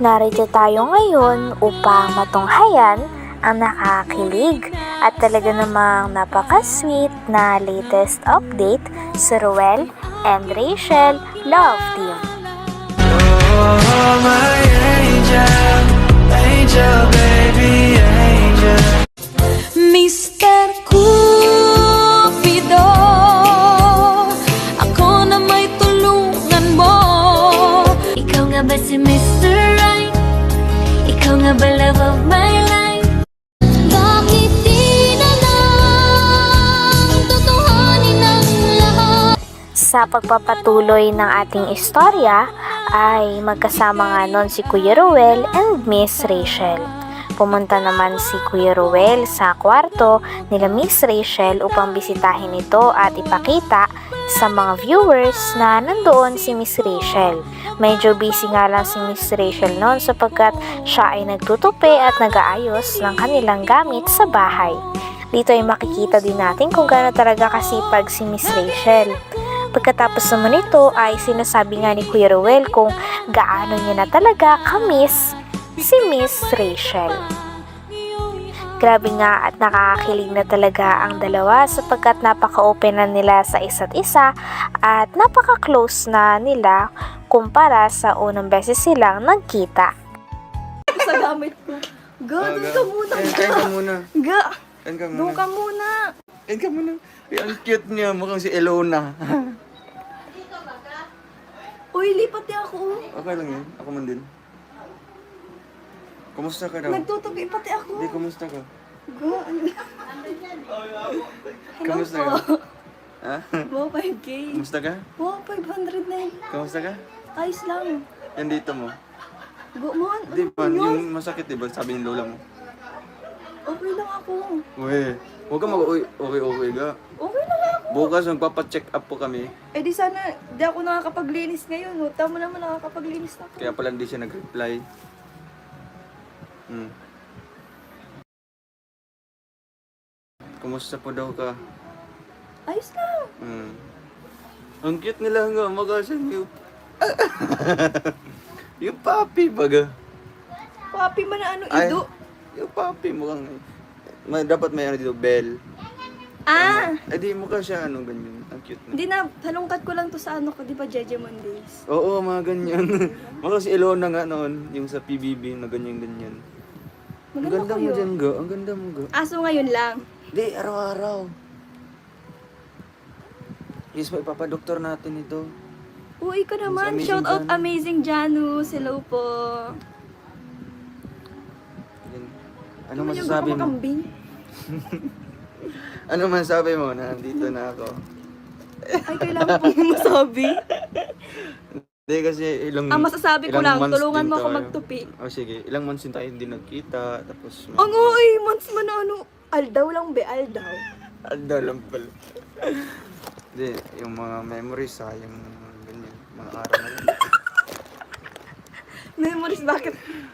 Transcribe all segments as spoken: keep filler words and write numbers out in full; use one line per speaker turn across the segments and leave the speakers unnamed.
Narito tayo ngayon upang matunghayan ang nakakakilig at talaga namang napaka-sweet na latest update sa Ruel and Rachel Love Team.
Oh, my angel, angel, baby, angel.
mister Cupido, ako na may tulungan mo. Ikaw nga ba si mister Right? Ikaw nga ba love of my life? Bakit di na lang tutuhanin ang lahat?
Sa pagpapatuloy ng ating istorya ay magkasama nga nun si Kuya Ruel and Miss Rachel. Pumunta naman si Kuya Ruel sa kwarto nila Miss Rachel upang bisitahin ito at ipakita sa mga viewers na nandoon si Miss Rachel. Medyo busy nga lang si Miss Rachel noon sapagkat siya ay nagtutupi at nag-aayos ng kanilang gamit sa bahay. Dito ay makikita din natin kung gaano talaga kasipag si Miss Rachel. Pagkatapos naman ito ay sinasabi nga ni Kuya Ruel kung gaano niya na talaga ka-miss si Miss Rachel. Grabe nga at nakakakilig na talaga ang dalawa sapagkat napaka-open na nila sa isa't isa at napaka-close na nila kumpara sa unang beses silang nagkita.
Sa gamit ko. Ga,
Ah,
doon
ga.
ka muna.
Kain, kain ka muna.
Ga,
Kain ka muna.
doon ka muna.
Kain ka muna. Ay, ang cute niya. Mukhang si Elona.
Uy, lipat niya ako.
Okay lang yan. Ako man din. Kumusta ka daw?
Nagtutupi pati ako.
Hindi, kumusta ka?
Ga, ano? Hello
Kumusta
po.
ka? Ha?
Wow, five K.
Kumusta ka?
Wow, five hundred na yun.
Kumusta ka?
Ayos lang.
Yan dito mo.
Go, man.
Hindi
Ano
man,
yun?
yung masakit diba? Sabi ni lola mo.
Okay lang ako.
Uy, huwag ka mag-uwi. Okay, okay ka.
Okay lang ako.
Bukas magpapacheck up po kami.
Eh di sana, di ako nakakapaglinis ngayon. No? Tama naman nakakapaglinis na ako.
Kaya pala hindi siya nag-reply. Hmm. Kumusta po daw ka?
Ayos lang.
Hmm. Ang cute nila nga, magasan yung... yung papi baga.
Papi man na ano,
Ay,
ido.
yung papi mukhang... May, dapat may ano dito, bell.
Ah!
Eh di mukha siya ano, ganyan. Ang cute na.
Hindi na, halongkat ko lang to sa ano ko, di ba, Jeje Mondays?
Oo, mga ganyan. Mukha si Elona nga noon, yung sa P B B na ganyan-ganyan. Ang
Maganda
ganda mo
kayo.
dyan, ga. Ang ganda mo, ga.
Aso ngayon lang.
Di, araw-araw. Yes, pa ipapadoktor natin ito.
Uy, ka naman.
Amazing
Shout out
Janus.
Amazing Janus. Hello po.
Yan. Ano
Yung
masasabi mo?
gupamakambing.
Ano masasabi mo na nandito na ako?
Ay, kailangan pong masabi.
Hindi kasi ilang
Ang masasabi ko
ilang
lang,
months
tulungan
din
mo ako
tayo.
magtupi.
Oh, sige. Ilang months din tayo hindi nagkita. Tapos...
Ang uy, months man na ano. Aldaw lang be, aldaw.
Alda lang pala. Hindi, yung mga memories ha, yung ganyan, mga araw na yun.
Memories, bakit?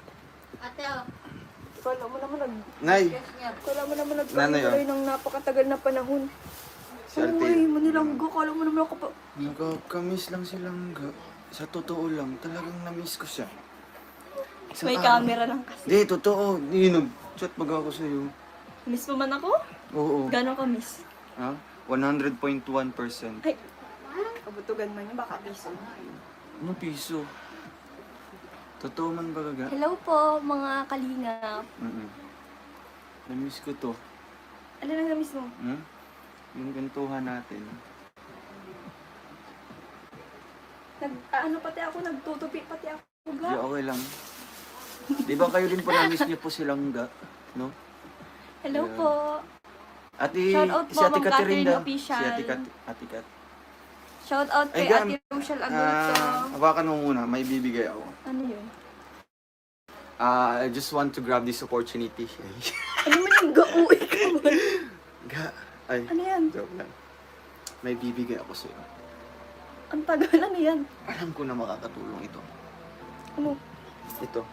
Kala mo naman nag...
Nay!
Kala mo naman
Nanay, oh.
nagkakaroon ng napakatagal na panahon.
Si Ate.
Uy, manilanggo. Kala mo naman ako pa...
Nagkakamiss lang silang ga. Sa totoo lang, talagang na-miss ko siya. Isang
May
araw.
camera lang kasi.
Hindi, totoo. Hindi, nag-chat baga ako sa'yo.
Miss mo man ako?
Oo.
Gano'n ka miss?
Ha? one hundred point one percent.
Ay, kabutugan man yun, baka piso.
Ano piso? Totoo man ba ga?
Hello po, mga kalingap.
Mm-mm. Na-miss ko to.
Ano lang na miss mo?
Hmm? Yung gantuhan natin.
Nag, ah, ano pati ako, nagtutupi pati ako.
Di
Ga.
okay lang. Di ba kayo din po na-miss niyo po silang ga? No?
Hello
Yeah.
po.
Ate,
Shout out
si
po,
Ate
Ma'am
Catherine
Catherine
daw.
Official.
Si Ate Kat, Ate Kat.
Shout out
Ay,
kay
Gam.
Ate Rochelle Agurto.
Ah, hawakan mo muna, may bibigay ako.
Ano yun?
Ah, I just want to grab this opportunity.
Ano man yung ga-uwi ka man?
Ga, ay,
Ano yan?
joke lang. May bibigay ako sa'yo.
Ang tagal, ano yan?
Alam ko na makakatulong ito.
Ano?
Ito.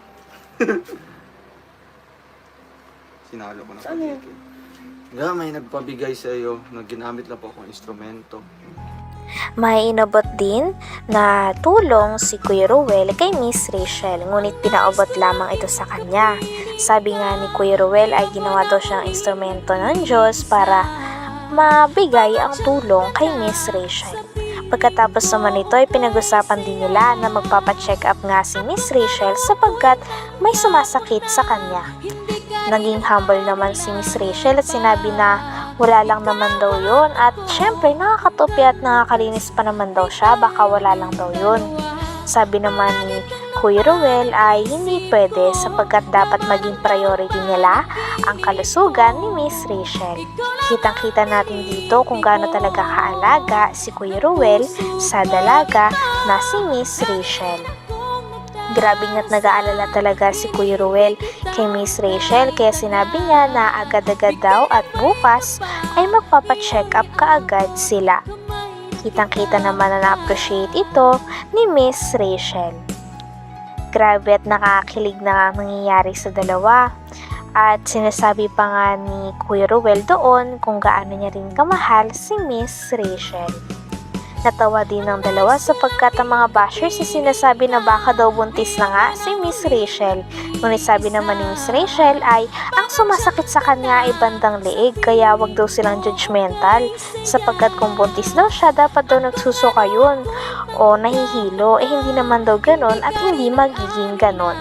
Sinalo ko na
Ano yan?
pagkiki. Ga, may nagpabigay sa'yo na ginamit lang po akong instrumento.
May inabot din na tulong si Kuya Ruel kay Miss Rachel, ngunit pinaabot lamang ito sa kanya. Sabi nga ni Kuya Ruel ay ginawa daw siyang instrumento ng Diyos para mabigay ang tulong kay Miss Rachel. Pagkatapos naman ito ay pinag-usapan din nila na magpapacheck up nga si Miss Rachel sapagkat may sumasakit sa kanya. Naging humble naman si Miss Rachel at sinabi na wala lang naman daw yun at syempre nakakatupi at nakakalinis pa naman daw siya, baka wala lang daw yun. Sabi naman ni Kuya Ruel ay hindi pwede sapagkat dapat maging priority nila ang kalusugan ni Miss Rachel. Kitang-kita natin dito kung gaano talaga kaalaga si Kuya Ruel sa dalaga na si Miss Rachel. Grabe nga't nag-aalala talaga si Kuya Ruel kay Miss Rachel kaya sinabi niya na agad-agad daw at bukas ay magpapacheck up kaagad sila. Kitang-kita naman na na-appreciate ito ni Miss Rachel. Grabe at nakakilig na nangyayari sa dalawa. At sinasabi pa nga ni Kuya Ruel doon kung gaano niya rin kamahal si Miss Rachel. Natawa din ng dalawa sapagkat ang mga bashers ay sinasabi na baka daw buntis na nga si Miss Rachel. Ngunit sabi naman ni Miss Rachel ay ang sumasakit sa kanya ay bandang leeg kaya wag daw silang judgmental sapagkat kung buntis daw siya dapat daw nagsusuka yun o nahihilo eh hindi naman daw ganon at hindi magiging ganon.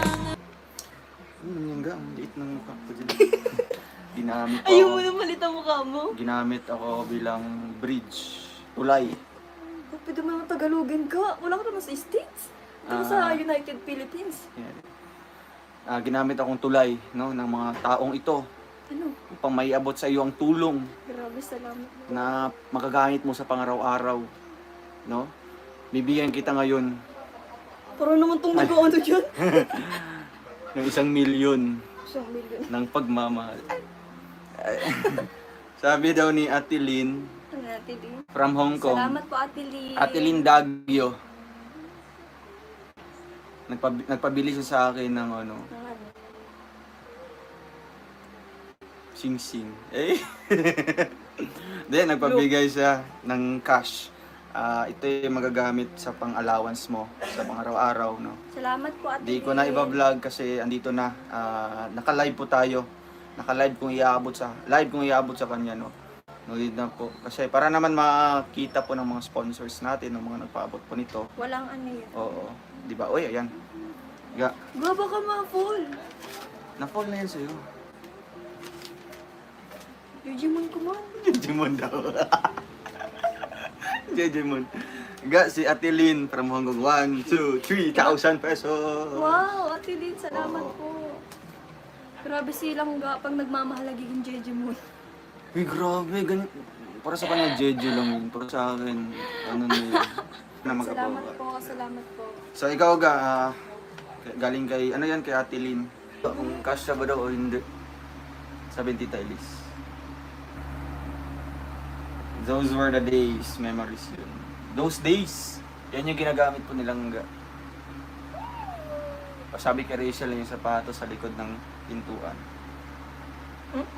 Ano yung ga? Ang liit ng mukha ko dyan. Ginamit
Ayaw
ako.
mo na malit ang mukha mo.
Ginamit ako bilang bridge. Tulay.
Oh, pwede mo naman Tagalogin ka. Wala ka naman sa States. Ito
Ah.
sa United Philippines.
Yan. Ah, ginamit akong tulay, no, ng mga taong ito
Ano?
upang maiabot sa iyo ang tulong
Grabe, salamat.
na magagamit mo sa pangaraw-araw, no? Bibigyan kita ngayon
Parang naman itong nag-ano dyan.
ng isang milyon
Isang milyon.
ng pagmamahal. Sabi daw ni Ate Lynn
Ano natin din?
from Hong Kong.
Salamat po, Ate Lee.
Ate Lynn Dagyo. Nagpab- nagpabili siya sa akin ng ano,
Ng ano?
sing-sing. Eh? Then, nagpabigay siya ng cash. Ah, ito yung magagamit sa pang-allowance mo sa pang-araw-araw, no?
Salamat po, Ate
Hindi ko na iba-vlog kasi andito na. Ah, naka-live po tayo. Naka-live kung iaabot sa live kung iaabot sa kanya, no. No need na po. Kasi para naman makita po ng mga sponsors natin, ng mga nagpaabot po nito.
Walang ano yun.
Oo. 'Di ba? Oy, ayan. Ga,
Gaba ka ma-fall.
na-fall na yan sa'yo.
Digimon ko man.
Jejemon daw. Jejemon. Ga, si Ate Lynn from Hong Kong. one, two, three thousand pesos.
Wow, Ate Lynn, salamat
Oo.
po. Grabe silang ga pag nagmamahal nagiging Digimon.
Uy, grabe. Ganyan. Para sa kanya, Jeju lang yun. Para sa akin, ano na yun. Na
Salamat
magkapawa.
po, salamat po.
So, ikaw ga, ah, galing kay, ano yan, kay Ate Lynn. Kung cash ba daw o hindi. seventy tiles. Those were the days, memories yun. Those days, yan yung ginagamit po nilang ga. Sabi kay Rachel yung sapatos sa likod ng pintuan.
Hmm?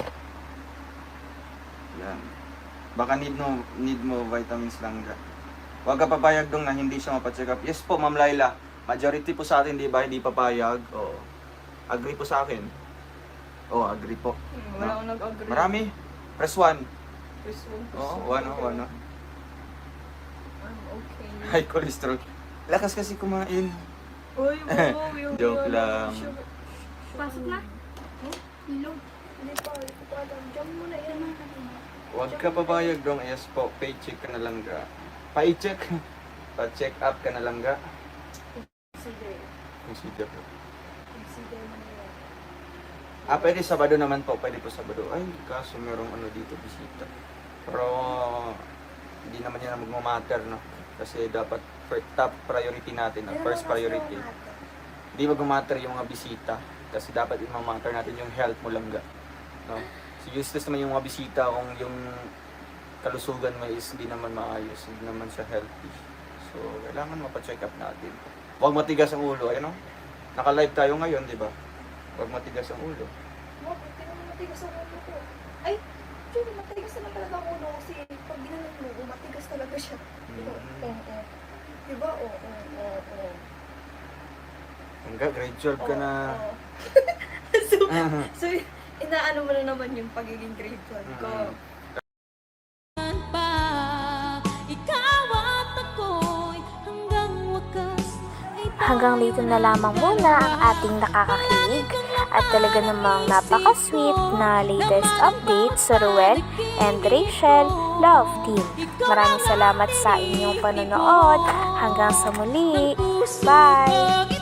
Yan. Baka need mo, need mo vitamins lang ga. Huwag ka papayag dong na hindi siya mapacheck up. Yes po, Ma'am Laila. Majority po sa atin, di ba, hindi papayag. Oo. Agree po sa akin. Oo, agree po.
Hmm, wala akong nag-agree.
Marami. Press one.
Press one, press
Oo,
one.
one, oh, one. oh.
I'm okay.
High cholesterol. Lakas kasi kumain.
Uy, wow, yung
Joke
yung-
lang.
Pasok na? Hello? Hindi pa, hindi ko pa alam. Diyan mo na yan.
Huwag ka papayag dong. Yes po, paycheck ka na lang ga. Paycheck. Pa-check up ka na lang ga.
Sige.
Consider po.
Sige mo na yan.
Ah, pwede Sabado naman po. Pwede po Sabado. Ay, kaso merong ano dito, bisita. Pero, hindi naman yan magmamatter, no? Kasi dapat fir- top priority natin, no? First priority. Hindi magmamatter yung mga bisita. Kasi dapat imamatter natin yung health mo lang, ga. No? So, useless naman yung mga bisita kung yung kalusugan mo is hindi naman maayos, hindi naman siya healthy. So, kailangan mapacheck up natin. Huwag matigas ang ulo, ayun, no? Naka-live tayo ngayon, di ba? Huwag matigas ang ulo.
Wow, hindi naman matigas ang ulo ko. Ay, Julie, matigas naman talaga ang ulo ko kasi pag ginanon mo, matigas talaga siya.
Mm.
Oo. Diba? Oo, oo, oo, oo.
Hanggang grade twelve ka na.
Oo. so, so, inaano mo na naman yung pagiging grade twelve ko.
Mm.
pa. Ikaw at ako'y hanggang wakas ay
Hanggang dito na lamang muna ang ating nakakakinig at talaga namang napaka-sweet na latest update sa Ruel and Rachel Love Team. Maraming salamat sa inyong panonood. Hanggang sa muli. Bye!